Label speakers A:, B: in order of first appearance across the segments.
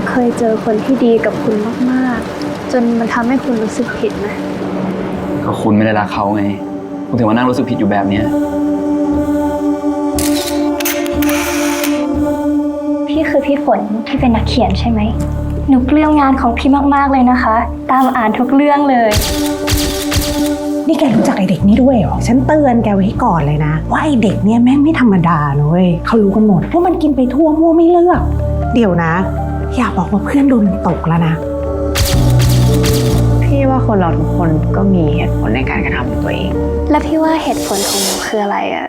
A: เคยเจอคนที่ดีกับคุณมากๆจนมันทำให้คุณรู้สึกผิดไหม
B: ก็คุณไม่ได้รักเขาไงคุณถึงมานั่งรู้สึกผิดอยู่แบบเนี้ย
A: พี่คือพี่ฝนที่เป็นนักเขียนใช่ไหมหนูเกลี้ยงงานของพี่มากๆเลยนะคะตามอ่านทุกเรื่องเลย
C: นี่แกรู้จักไอเด็กนี่ด้วยเหรอฉันเตือนแกไว้ก่อนเลยนะว่าไอเด็กเนี่ยแม่งไม่ธรรมดานะเว้ยเขารู้กันหมดว่ามันกินไปทั่วมั่วไม่เลือกเดี๋ยวนะอย่าบอกว่าเพื่อนโดนมันตกแล้วนะ
D: พี่ว่าคนเราทุกคนก็มีเหตุผลในการกระทำของตัวเอง
A: แล้วพี่ว่าเหตุผลของหนูคืออะไรอะ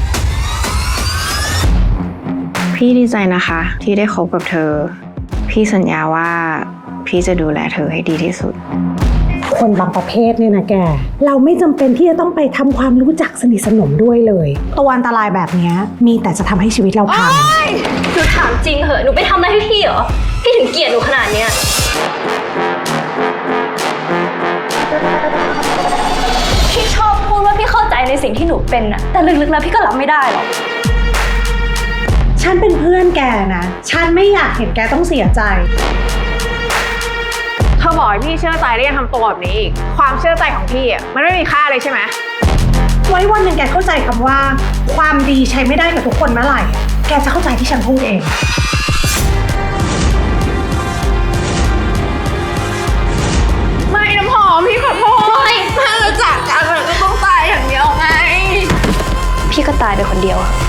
D: พี่ดีใจนะคะที่ได้คบกับเธอพี่สัญญาว่าพี่จะดูแลเธอให้ดีที่สุด
C: คนบางประเภทเนี่ยนะแกเราไม่จำเป็นที่จะต้องไปทำความรู้จักสนิทสนมด้วยเลยตัวอันตรายแบบนี้มีแต่จะทำให้ชีวิตเราพัง
A: หนูถามจริงเหอะหนูไปทำอะไรให้พี่เหรอพี่ถึงเกลียดหนูขนาดเนี้ยพี่ชอบพูดว่าพี่เข้าใจในสิ่งที่หนูเป็นอะแต่ลึกๆแล้วพี่ก็รับไม่ได้หรอก
C: ฉันเป็นเพื่อนแกนะฉันไม่อยากเห็นแกต้องเสียใจ
D: เธอบอกให้พี่เชื่อใจแล้วยังทำตัวแบบนี้อีกความเชื่อใจของพี่อ่ะมันไม่มีค่าเลยใช่ไหม
C: ไว้วันหนึ่งแกเข้าใจคำว่าความดีใช้ไม่ได้กับทุกคนเมื่อไหร่แกจะเข้าใจที่ฉันพูดเอง
D: ไม่น้ำหอมพี่ขอโทษถ้าเราจากกันเราก็ต้องตายอย่างเดียวไง
A: พี่ก็ตายไปคนเดียวอะ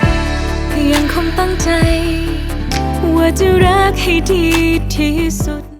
E: ยังคงตั้งใจว่าจะรักให้ดีที่สุด